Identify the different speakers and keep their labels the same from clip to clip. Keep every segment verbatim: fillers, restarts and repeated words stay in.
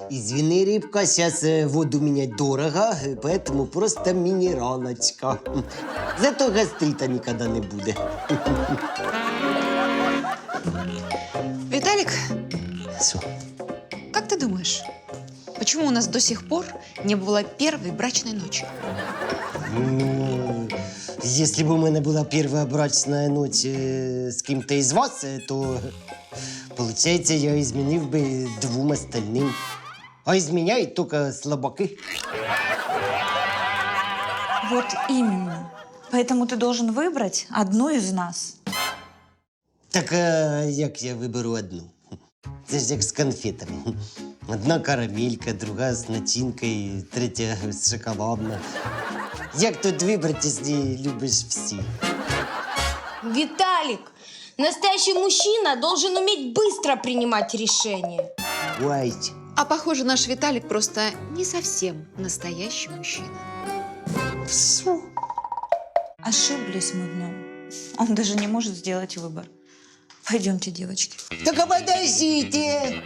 Speaker 1: Извини, рыбка, сейчас воду менять дорого, поэтому просто минералочка. Зато гастрита никогда не будет.
Speaker 2: Виталик,
Speaker 1: Все.
Speaker 2: как ты думаешь, почему у нас до сих пор не было первой брачной ночи?
Speaker 1: Ну, если бы у меня была первая брачная ночь э, с кем-то из вас, э, то, получается, я изменил бы двум остальным. А изменяют только слабаки.
Speaker 3: Вот именно. Поэтому ты должен выбрать одну из нас.
Speaker 1: Так а як я виберу одну? Це ж як з конфетами. Одна карамелька, друга з начинкою, третя з шоколадна. Як тут вибрати, якщо любиш всі?
Speaker 4: Виталик, настоящий мужчина должен уметь быстро принимать решения.
Speaker 1: Ой,
Speaker 2: А похоже, наш Виталик просто не совсем настоящий мужчина.
Speaker 1: все.
Speaker 3: Ошиблись мы в нем. Он даже не может сделать выбор. Пойдемте, девочки.
Speaker 1: Так а подождите!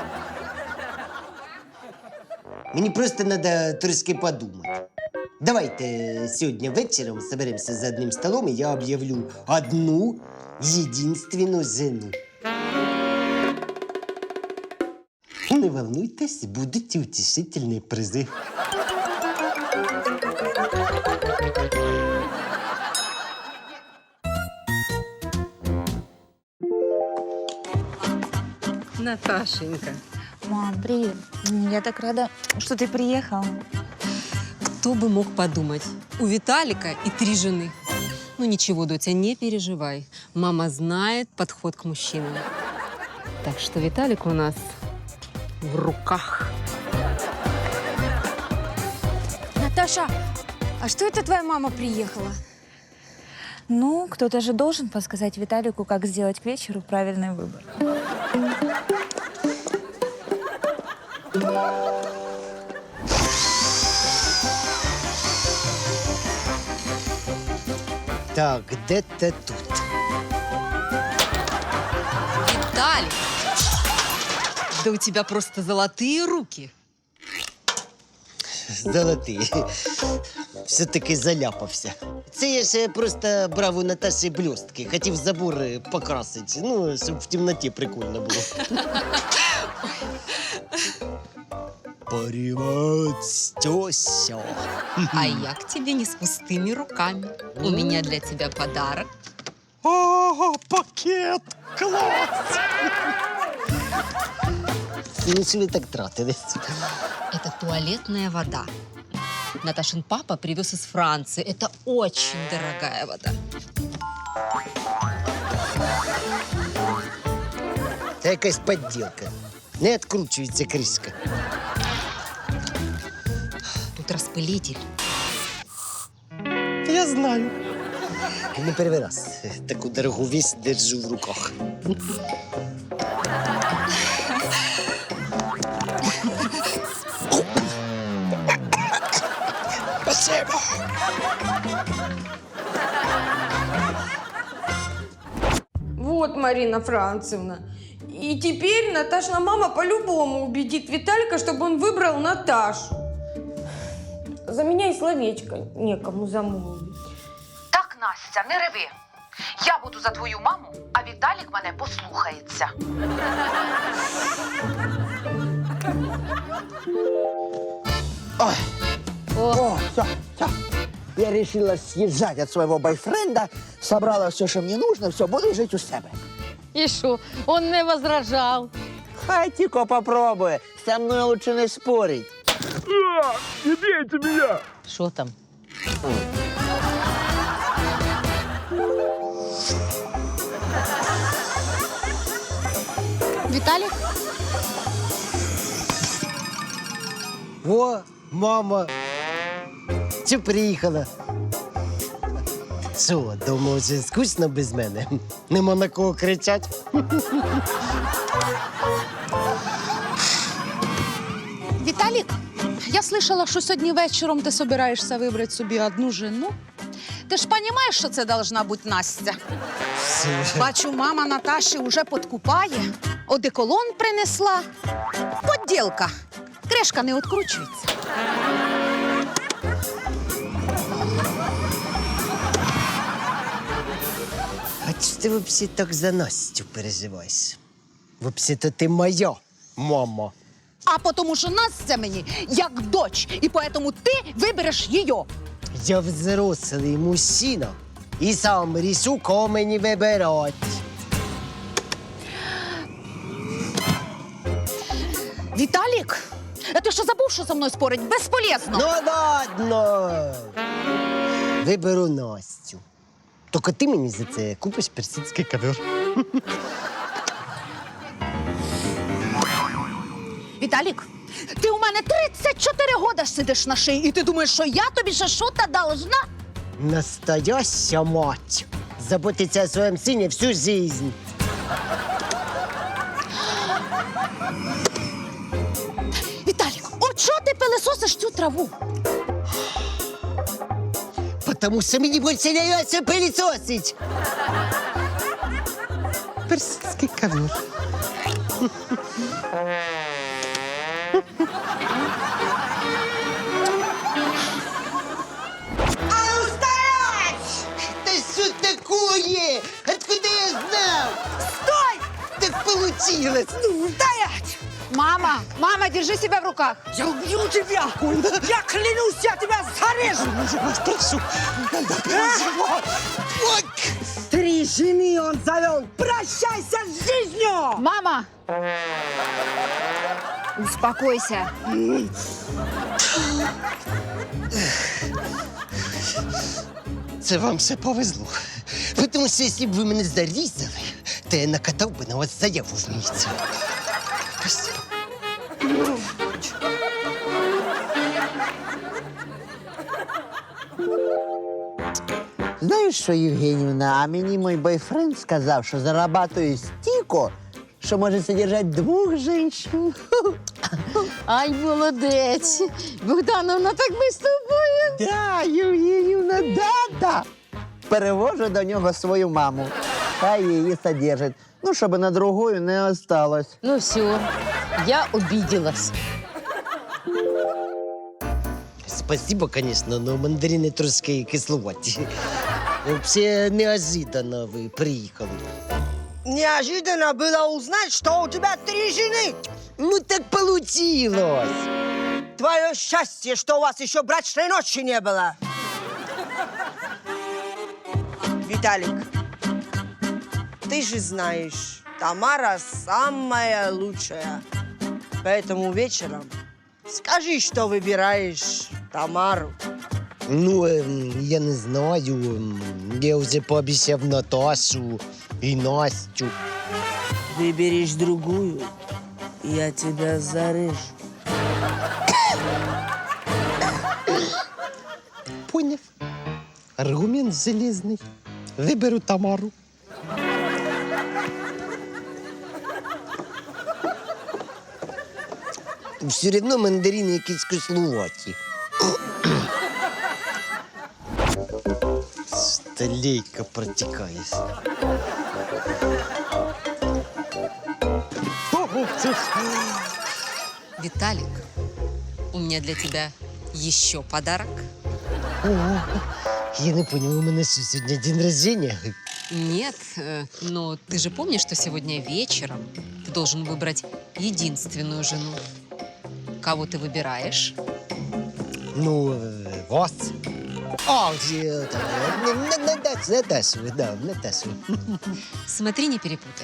Speaker 1: Мені просто треба трошки подумати. Давайте сьогодні вечором соберемося за одним столом, і я об'явлю одну єдинственну жену. Не волнуйтесь, будуть утішительні призи.
Speaker 5: Наташенька,
Speaker 3: Мам, привет. Я так рада, что ты приехала.
Speaker 5: кто бы мог подумать? У Виталика и три жены. Ну ничего, Дотя, не переживай. Мама знает подход к мужчинам. Так что Виталик у нас в руках.
Speaker 4: Наташа, а что это твоя мама приехала?
Speaker 3: Ну, кто-то же должен подсказать Виталику, как сделать к вечеру правильный выбор.
Speaker 1: Так, де-то тут.
Speaker 5: Виталик! Да у тебя просто золотые руки.
Speaker 1: Золотий. Все-таки заляпався. Це я ще просто брав у Наташі блістки. Хотів забор покрасити. Ну, щоб в темноті прикольно було. Привет, тёся.
Speaker 5: А я к тебе не с пустыми руками. У меня для тебя подарок.
Speaker 1: О, пакет! Класс! Ну, що ви так тратились?
Speaker 5: Это туалетная вода. Наташин папа привез из Франции. Это очень дорогая вода.
Speaker 1: Це якась подділка. Не відкручується кришка.
Speaker 5: Тут распылитель.
Speaker 1: Я знаю. Не перший раз таку дорогу вісь держу в руках. Спасибо.
Speaker 4: Вот, Марина Францевна. И теперь Наташина мама по-любому убедит Виталика, чтобы он выбрал Наташу. За меня и словечко некому замолвить.
Speaker 6: Так, Настя, не реви. Я буду за твою маму, а Віталік мене послухається.
Speaker 7: Ой. О, все, все. Я решила съезжать от своего бойфренда, собрала все, что мне нужно, все, буду жить у себя.
Speaker 8: И что, он не возражал?
Speaker 7: Хай тільки попробує, со мной лучше не спорить.
Speaker 8: Что там?
Speaker 2: Виталик?
Speaker 1: О, мама. Чи приїхала? Що, дома вже скучно без мене? Нема на кого кричать?
Speaker 9: Віталік, я слышала, що сьогодні вечором ти собираєшся вибрати собі одну жену. Ти ж розумієш, що це должна бути Настя? Бачу, мама Наташі вже подкупає, одеколон принесла. Подділка. кришка не відкручується.
Speaker 1: А чи ти взагалі так за Настю переживаєш? Взагалі-то ти моя мама.
Speaker 9: А тому що Настя мені як дочь, і тому ти вибереш її.
Speaker 1: Я взрослий мужчина і сам рішу, кого мені вибирати.
Speaker 9: Віталік, а ти що забув, що со мною спорить? Безполезно.
Speaker 1: Ну ладно. Виберу Настю. Тільки ти мені за це купиш персидський ковер.
Speaker 9: Віталік, ти у мене тридцять чотири года сидиш на шиї, і ти думаєш, що я тобі ще що-то должна?
Speaker 1: Настояща мать. Заботиться о своем сыне всю жизнь.
Speaker 9: Віталік, от що ти пилисосиш цю траву?
Speaker 1: Потому что мне больше нравится пылесосить. Персидский ковер. А ну стоять! Да что такое? Откуда я знал? Стой! Так получилось. Ну, стоять!
Speaker 9: Мама, мама, держи себя в руках.
Speaker 7: Я убью тебя! Я клянусь, я тебя зарежу!
Speaker 1: Я вас прошу, надо переживать. Вот.
Speaker 7: Три жены он завел! Прощайся с жизнью!
Speaker 9: Мама! Успокойся.
Speaker 1: Це вам все повезло. Тому що якщо б ви мене зарізали, то я накатав би на вас заяву в міліцію. Спасибо.
Speaker 7: Знаєш що, Євгенівна, а мені мій бойфренд сказав, що зарабатує стільки, що може содержати двох жінок.
Speaker 8: Ай, молодець. Богдановна, так ми з тобою.
Speaker 7: Да, Євгенівна, да-да. Перевожу до нього свою маму. Хай її содержить. Ну, щоб на другою не осталось.
Speaker 8: Ну все, я обиделась.
Speaker 1: Спасибо, конечно, но мандарини трошки кисловаті. Вообще неожиданно ви приїхали.
Speaker 7: Неожиданно было узнать, что у тебя три жены.
Speaker 1: Ну так получилось.
Speaker 7: Твое счастье, что у вас еще брачной ночи не было.
Speaker 10: Виталик, ты же знаешь, Тамара самая лучшая. Поэтому вечером скажи, что выбираешь Тамару.
Speaker 1: Ну, ем, я не знаю. ем, Я вже пообіцяв Наташу і Настю.
Speaker 10: Выберешь другую, я тебя зарежу.
Speaker 1: Поняв. Аргумент железний. Виберу Тамару. Все одно мандарини якісь кисловаті. Столейка протікає.
Speaker 5: Виталик, у меня для тебя еще подарок.
Speaker 1: О, я не понял, у мене що, сьогодні день рождения?
Speaker 5: Нет, э, но ты же помнишь, что сегодня вечером ты должен выбрать единственную жену. Кого ты выбираешь?
Speaker 1: Ну, е, вас. А, е, та, е, на- на- Наташу, Наташу, да, Наташу.
Speaker 5: Смотри, не перепутай.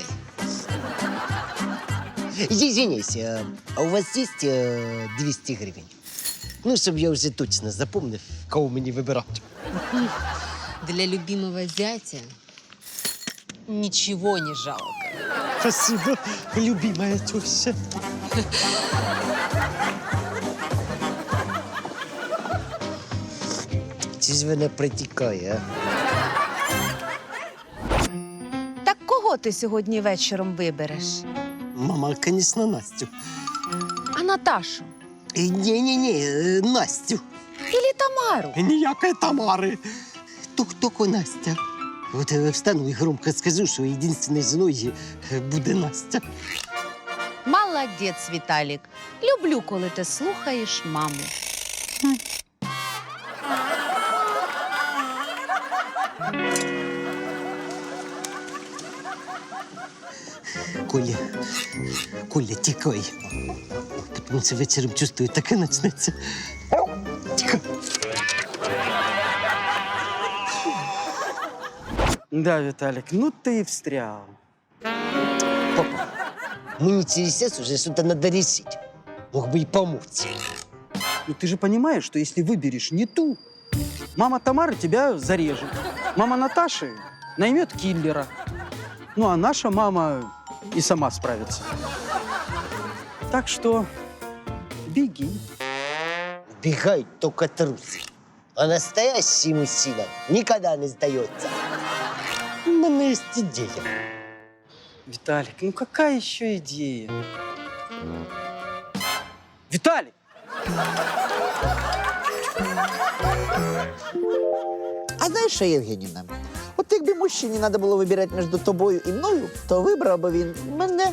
Speaker 1: Извиняйся, е, а у вас є е, двісті гривень? Ну, щоб я вже точно запомнив, кого мені вибирати.
Speaker 5: Для любимого зятя ничего не жалко.
Speaker 1: Спасибо, любимая теща. Чи ж вона протікає, а?
Speaker 9: Так кого ти сьогодні вечором вибереш?
Speaker 1: Мама, звісно, Настю.
Speaker 9: А Наташу?
Speaker 1: Ні-ні-ні, е, Настю.
Speaker 9: Ілі Тамару?
Speaker 1: Ніякої Тамари. Тук-тук Настя. От я встану і громко скажу, що єдинственною жіною буде Настя.
Speaker 9: Молодець. Молодець, Віталік. Люблю, коли ти слухаєш маму.
Speaker 1: Коля, Коля, тікай. Тому що вечором чувствую, таке почнеться. Тікай.
Speaker 11: Да, Виталик, ну ты и встрял.
Speaker 1: Папа, мені через час уже что-то надо решить. Мог бы и помочь.
Speaker 11: Ну ты же понимаешь, что если выберешь не ту, мама Тамары тебя зарежет. Мама Наташи наймет киллера. Ну а наша мама и сама справится. Так что беги.
Speaker 1: Бегают только трусы. А настоящий мужчина никогда не сдается. У меня есть идея.
Speaker 11: Виталик, ну какая еще идея? Виталик!
Speaker 7: А знаєш що, Євгенівна? От якби мужчині треба було вибирати між тобою і мною, то вибрав би він мене.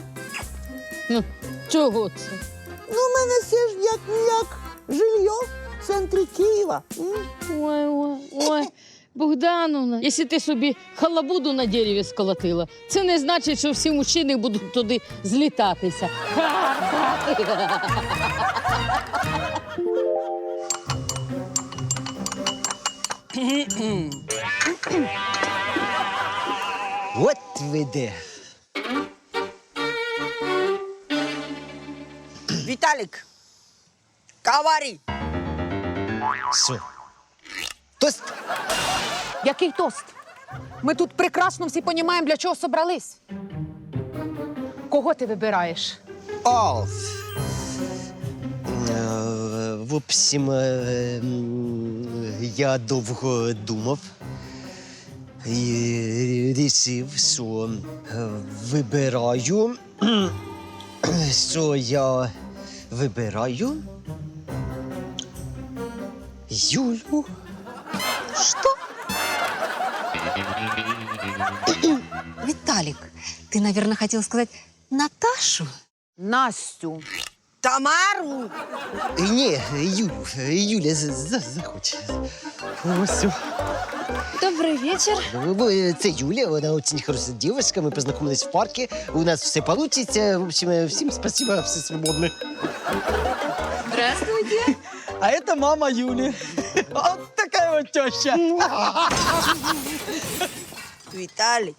Speaker 8: Чого це?
Speaker 7: Ну, в мене все ж як-ніяк жилье в центрі Києва. М?
Speaker 8: Ой, ой, ой. Богдановна, якщо ти собі халабуду на дереві сколотила, це не значить, що всі мужчини будуть туди злітатися.
Speaker 1: Вот ви де.
Speaker 10: Виталик, говори.
Speaker 1: Що? Тост?
Speaker 9: Який тост? Ми тут прекрасно всі розуміємо, для чого собрались. Кого ти вибираєш?
Speaker 1: О, е, в общем, е, м, я довго думав і рішив, що е, вибираю, що я вибираю Юлю.
Speaker 2: Что? Виталик, ты, наверное, хотел сказать Наташу?
Speaker 9: Настю.
Speaker 10: Тамару.
Speaker 1: Е, Ні, Юлю, Юля за- за- захоче. Ось.
Speaker 2: Добрый вечер.
Speaker 1: Ну, е, Це Юля, вона дуже хороша дівчинка, ми познайомились в парку, у нас все вийде. В общем, е, всім спасибо, все свободно.
Speaker 2: Здравствуйте.
Speaker 11: А это мама Юли. Вот такая вот теща.
Speaker 10: Виталик.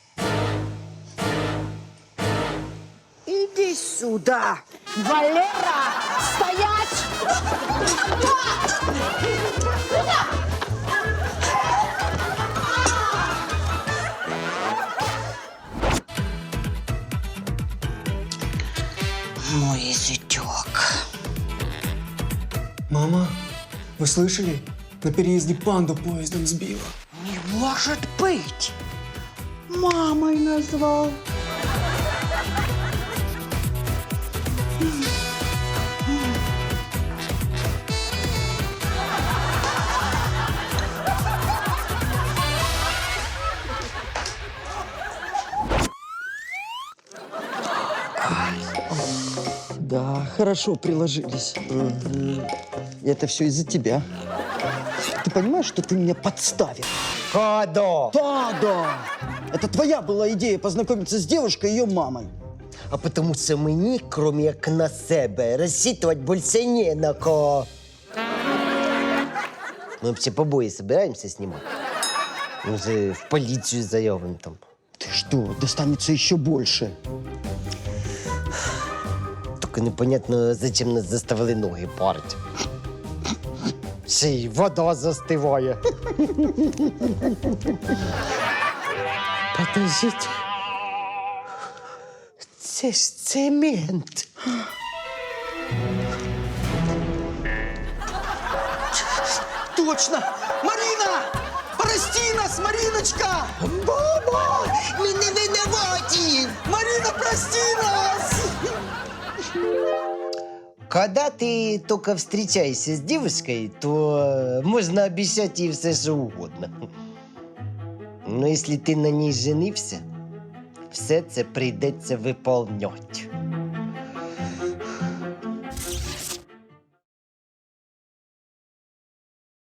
Speaker 10: Иди сюда.
Speaker 9: Валера, стоять!
Speaker 1: Мой зятек.
Speaker 12: Мама, вы слышали? На переезде панду поездом сбила.
Speaker 1: Не может быть.
Speaker 7: Мамой назвав.
Speaker 11: Да, хорошо приложились. И это все из-за тебя. Ты понимаешь, что ты меня подставил?
Speaker 1: Кадо.
Speaker 11: Да, да. Это твоя была идея познакомиться с девушкой и ее мамой.
Speaker 1: А потому що мені, крім як на себе, розчитувати більше не на кого. Ми взагалі побої збираємося знімати. Ми вже в поліцію заявимо там.
Speaker 11: Ты что, достанется еще больше.
Speaker 1: Тільки непонятно, зачем нас заставили ноги парити. Ще й вода застиває. Подождіть. Це ж цемент.
Speaker 11: Точно! Марина! Прости нас, Мариночка!
Speaker 1: Баба! Ми не винуваті!
Speaker 11: Марина, прости нас!
Speaker 1: Когда ты только встречаешься с девушкой, то можно обещать ей все, что угодно. Но если ты на ней женився, все це прийдеться виповнять.